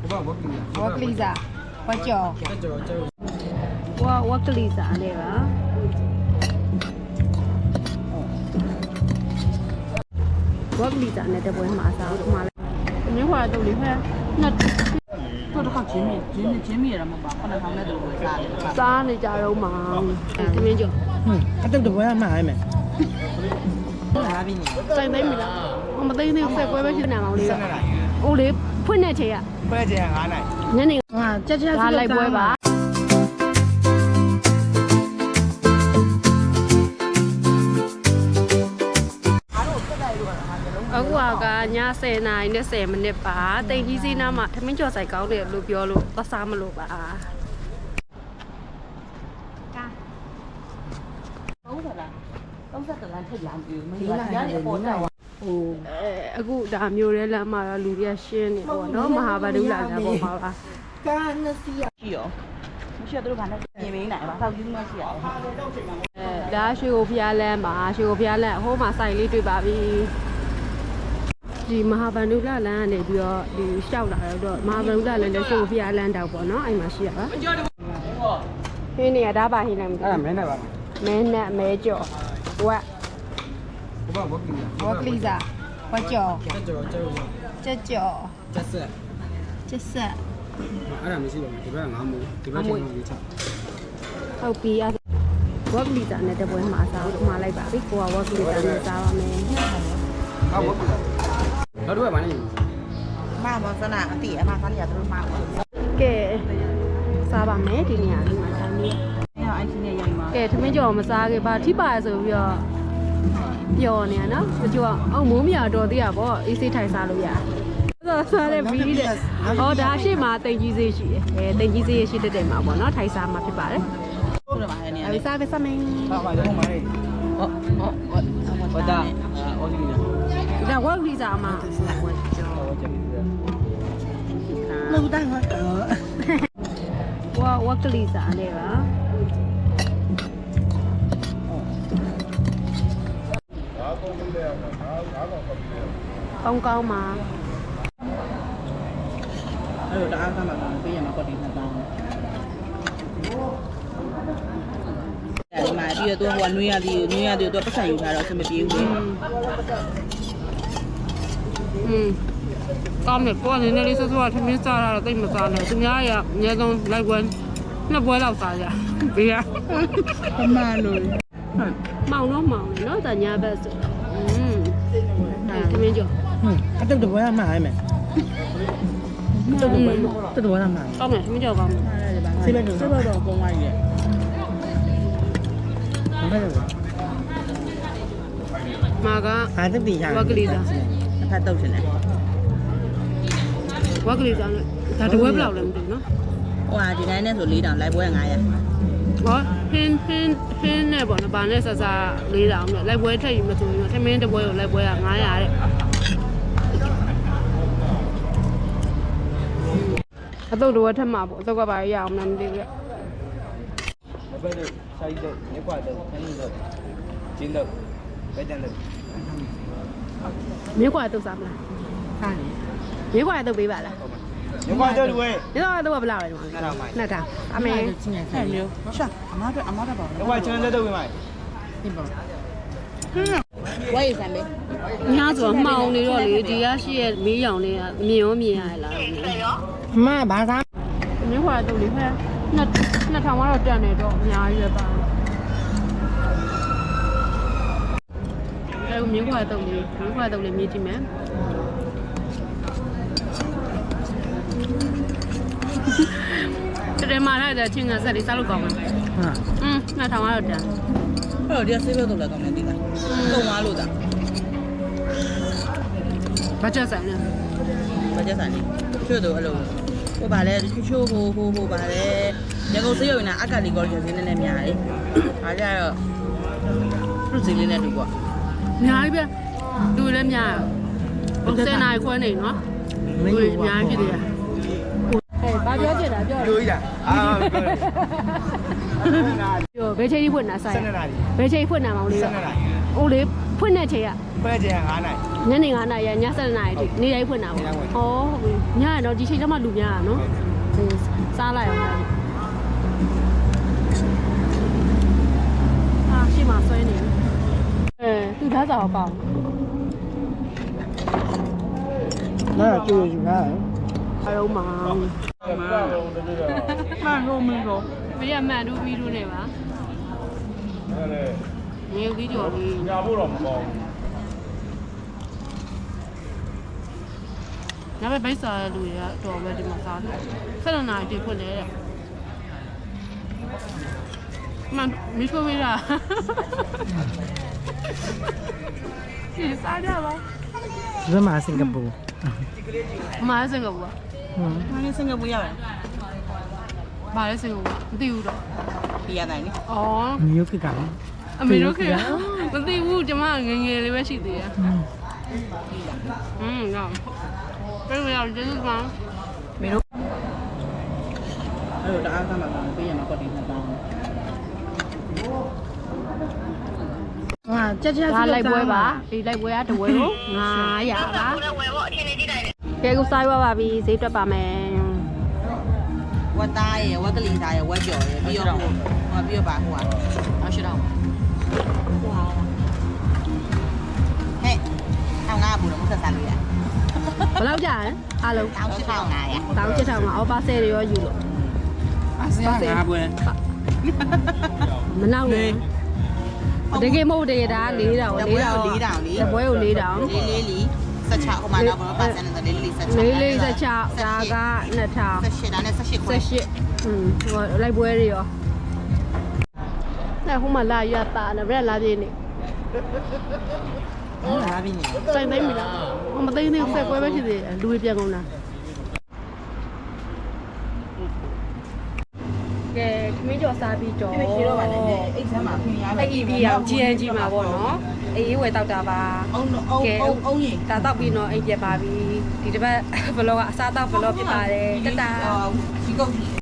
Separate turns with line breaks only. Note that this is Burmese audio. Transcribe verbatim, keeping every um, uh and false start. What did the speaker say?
ဝက်ကလီစာဝက်ကျော်ဝါဝက်ကလီစာလေးပါဝက်ကလီစာနဲ့တပွဲမှာစားဦးမှာလဲအမျိုးဟာတော့လေဟဲ့နှစ်
တော့တော့ချင်းမြချင်းချင်းမြရမှာပါခဏထောင်းတဲ့တူကိုစားတယ်
စားနေကြတော့မှာတမင်းကျော်
ဟင်းအတုတ်တပွဲမှာဟဲ့မယ်
ဟာပြီနေ
စိုက်သိမ်းပြီလားမသိသေးဘူးဆက်ပွဲပဲရှိနေမှာလေးအိုးလေးဖွင့်နေချေရ
ပွဲချေငါးနိုင်
ညနေဟာကြက်ကြက်စီလိုက်ပွဲပါအခုကညဆယ်နာရီနဲ့ဆယ်မိနစ်ပါတိမ်ကြီးစီးနားမှာထမင်းကျော်ဆိုင်ကောင်းတယ်လို့ပြောလို့သွားစားမလို့ပါ
ဟုတ်ပါလားသုံးဆက်တလန်းထိတ်လာပြီမင်းကညနေပေါ်တော့ဟို
အဲအခုဒါမျိုးရဲလမ်းမှာလူတွေကရှင်းနေပေါ့နော်မဟာဗဒုလာတာပေါ့ပါပါ
ကာနစီရှိရောမရှိတော့ဘာနဲ့ပြင်မင်းနိုင်ပါဆောက်ယူမရှိရအောင်
အဲဒါရွှေကိုဖျားလမ်းမှာရွှေကိုဖျားလမ်းအဟိုးမှာစိုက်လေးတွေ့ပါပြီဒီမဟာဗန္ဓုလလမ်းကနေပြီးတော့ဒီလျှောက်လာတော့မဟာဗန္ဓုလလမ်းလည်းရွှေကိုဖျားလမ်းတောက်ပေါ့နော်အဲ့မှာရှိရပါဟင်းနေရဒါပါဟင်းလည်းမသိ
အဲ့မဲနဲ့ပါ
မဲနဲ့မဲကြော်ဝက်ဝက်ကလီစာဝက်ကြော်ကျက်ကြော်
ကျက်ဆက်
ကျက်ဆက်
အဲ့ဒါမရှိပါဘူးဒီဘက်ကငါးမိုးဒီဘက်ကငါးမိုးချ
ဟုတ်ပြီအဲ့ဝက်ကလီစာနဲ့တပွဲမှာစားဦးမှာလိုက်ပါပြီကိုကဝက်ကလီစာနဲ့စားပါမယ်
ဟုတ်ဝက်ကလီစာတော့တော့ဗာနေ
မမစနာအတိအမခါလေးရတို့မှာ
ကဲစားပါမယ်ဒီနေရာလေးမှာဒါမျိုး
အဲ့အချင်းနဲ့ရိုက်မှာ
ကဲထမင်းကြော်မစားခဲ့ပါထိပါဆိုပြီးတော့ပျော်နေရနော်တချို့ကအုံမိုးမြတော်သေးရပေါ့အေးစိထိုင်စားလို့ရတယ်ဆိုစားတဲ့ဘီးတဲ့ဟောဒါရှေ့မှာတိမ်ကြီးစေးရှိတယ်အဲတိမ်ကြီးစေးရှိတဲ့တဲ့မှာပေါ့နော်ထိုင်စားမှာဖြစ်ပါတယ်
ဟုတ်တယ်ပါအဲ့နေရာ
လေးစားပဲစားမယ်
ဟုတ်ပါတော့မှာလေ
ဟုတ်ဟုတ်ဟုတ်
ဟုတ်တာအော်ဒီနီ
ဒါဝက်လီစာမှာဝက်ကြော
လူတိုင်းဟုတ်
ဝါဝက်ကလီစာလေးပါကောင်းကောင်းမှာ
အဲ့တော့တအားကမှပေးရမှာပေါ့ဒီနှစ်တောင်းဒီမှာပြီးတော့သူကနွေးရသည်နွေးရသည်သူပတ်စံယူထားတော့အဆင်မပြေဘူးလေ
อืมကောင်းတယ်ကိုကနည်းနည်းလေးစောစောထမင်းစားတာတော့တိတ်မစားနဲ့သူများရအများဆုံးလိုက်ပွဲနှစ်ပွဲလောက်စားကြဘေးကအမှန်လို့မောင်တော့မောင်နော်တညာဘက်ဆိုอืมထမင်းကြော
ဟင်းအတုတ်တပွဲမှာဟဲ့မယ်တုတ်တပွဲတုတ်တပွဲမှာ
ကောင်းတယ်ထမင်းကြောကောင်းတယ်
စိတ်ပဲစိတ်ပဲ
တော့ပုံဝိုင်းရဲ့
ဟုတ်တယ်
မာက
အာတတိဟာ
ဝက်ကလီစာ
အဖက်တုတ်ရှင်တယ်
ဝက်ကလီစာနဲ့ဒါတပွဲဘယ်လောက်လဲမသိဘူးနော်
ဟိုဟာဒီတိုင်းနဲ့ဆို၄တောင်လိုက်ပွဲငါးရာ
ဟောဟင်းဟင်းဟင်းနဲ့ပေါ့နော်ဗာနဲ့ဆဆလေးတောင်နဲ့လိုက်ပွဲထက်ယူမဆိုရင်ထမင်းတပွဲကိုလိုက်ပွဲကငါးရာတဲ့အတုတ်တော့ထက်မှာပေါ့အတုတ်ကပါရအောင်မသိဘူးရဲ့
ဘယ်လိုဆိုင်တော့ရက်ကွာတော့ခင်းတော့ကျင်းတော့ဘယ်တန်းလဲ
မြေကွာတုတ်စားမလား
ဟာနေ
မြေကွာတုတ်ပေးပါလား
ရက်ကွာတော့တွေ့
မြေကွာတုတ်ကဘယ်လောက်လဲဒီမှာနှစ်ထောင်အမေ
ဆက်မျိုးရှာအမတော့အမတော့ပါ
ရက်ကွာချမ်းတဲ့တုတ်ပေးမယ်
ဒီပေါ့ဝိုင်းစံလေး
ညာဆိုမှောင်နေတော့လေဒီရရှိရဲ့မီးရောင်လေးကမြင်ရောမြင်ရလား
အမဘာသာ
မြေကွာတုတ်လေးဖက်နှစ်နှစ်ထောင်ကတော့တက်နေတော့အများကြီးပဲပါအဲမြေခွာတုံးလေးမြေခွာတုံးလေးမြည်ကြည့်မယ်တကယ်မှလည်းတဲ့ချင်းကဆက်လေးစားလို့ကောင်းမှာဟာอืมနှစ်ထောင်ကတော့တက်
အဲ့တော့ဒီဆေးဘက်တော့လည်းကောင်းတယ်ဒီလားတုံသွားလို့တာ
ဘာချက်ဆိုင်လဲ
ဘာချက်ဆိုင်လဲချွတ်တော့အဲ့လိုဟိုပါလေချိုးချိုးဟိုဟိုဟိုပါလေရကုန်စေးရုံနဲ့အကလီကော်ဂျင်းနည်းနည်းများတယ်ဒါကြတော့သူ့စီလေးနဲ့တူပေါ့
အများကြီးပဲလူလည်းများဟုတ်စင်နိုင်ခွဲနေနော်လူအများကြီးဖြစ်တယ်ဟဲ့ဘာပြောချင်တာပြော
လူကြီးတာအာ
ပြောဘယ်ချိန်ဖွင့်တာဆိုင်
ဆယ်နှစ်နာရီ
ဘယ်ချိန်ဖွင့်တာမောင်လေး
ဆယ်နှစ်နာရီ
အိုးလေးဖွင့်တဲ့ချိန်က
ခွဲချင်ငါးနိုင်
ညနေ9နာရီည7နာရီထိနေတိုင်းဖွင့်တာပေါ့ဟောဟုတ်ပြီညရတော့ဒီချိန်ကျမှလူများတာနော်စားလိုက်အောင်အာရှိမှဆွဲနေအဲသူသားစားကောင်း
နားကျိုးယူငါ
အရုံးမှာ
မှန်လို့မင်းတော့
မရမှန်တူပြီးတူနေပါငယ်ပြီးကြော်ပြီး
ညာဖို့တော့မကောင်း
ညဘက်ဘိတ်စားတဲ့လူတွေကတော့ပဲဒီမှာစားတယ်ဆက်လနာတီဖွင့်တယ်မန်မီဖိုဝေးတာဒီစားကြပါ
ဒီမှာစင်ကာပူ
မားစင်ကဘူး
။မင်းစင်ကာပူရတယ်
မားလည်းစင်ကဘူးမသိဘူးတော့
။ဒီရတိုင်းလေ
အော်
မျိုးဖြစ်ကလည်း
အမေတို့ခေမသိဘူးကျမငငယ်လေးပဲရှိသေးတယ်อืมတော့ပြန်ရအောင်ကျေးဇူးပါ
။မင်းတို့အဲ့လိုတအားကမှပေးရမှာပတ်တည်နှစ်ပေါင်း။ဟာချက်ချက်
ဒါလိုက်ပွဲပါဒီလိုက်ပွဲကတဝဲကို900ပါဝယ်ဖို့အချင်းလေးကြည့်လိုက်ကဲကိုစားရပါပြီဈေးတွက်ပါမယ်
ဝတ်သားရယ်ဝတ်ကလေးသားရယ်ဝတ်ကြော်ရယ်ပြီးတော့ဟိုဟိုပြီးတော့ပါဟိုဟာအောင်ရှစ်တော့ဟဲ့အောင်ငါဘူးတော့မဆက်စားလို့ရ
ဘယ်လောက်ကြာလဲအားလုံး
အောင်ရှစ်ထောင်ငါရ
တောင်းချက်ထောင်မှာအော်ပါဆယ်တွေရောယူလို့
အစရငါပွဲ
မနောက်နဲ့တကယ်မဟုတ်တယ်ဒါ၄တောင်
တ
၄
ပွဲ
တောင်
ကို၄တောင်လေ
တပွဲကို၄တောင်
လေးလေးလီဆက်ချဟိုမှာတော့ဘာပါစံနဲ့လေးလေးဆက်ချ
လေးလေးဆက်ချဒါကနှစ်ထောင်
ဆက်ရှစ်ဒါနဲ့ဆက်ရှစ်ခွဲ
ဆက်ရှစ်อืมဟိုလိုက်ပွဲတွေရောအဲ့ဟိုမှာလာရတာနဲ့ဗျာလာပြင်းနေ
ဟုတ်လားပြီနေ
စိုက်သိမ့်ပြီလားဟိုမသိသေးဘူးဆက်ပွဲပဲဖြစ်သေးတယ်လူတွေပြန်ကုန်တာကဲခမင်းကျော်စားပြီးတော့
ဒီရှိတော့ပါနဲ့အိတ်ဆမ်းမှာခင်ရပါ
အဲ့ဒီဒီအောင် ဂျီ အန် ဂျီ မှာပေါ့နော်အေးဝယ်တောက်တာပါ
အောင်အောင်အောင်အောင်ရင်
ဒါတောက်ပြီးတော့အိမ်ပြပါပြီဒီတစ်ပတ်ဘလော့ကအစားတောက်ဘလော့ဖြစ်ပါတယ်တတာ
ဒီကုတ်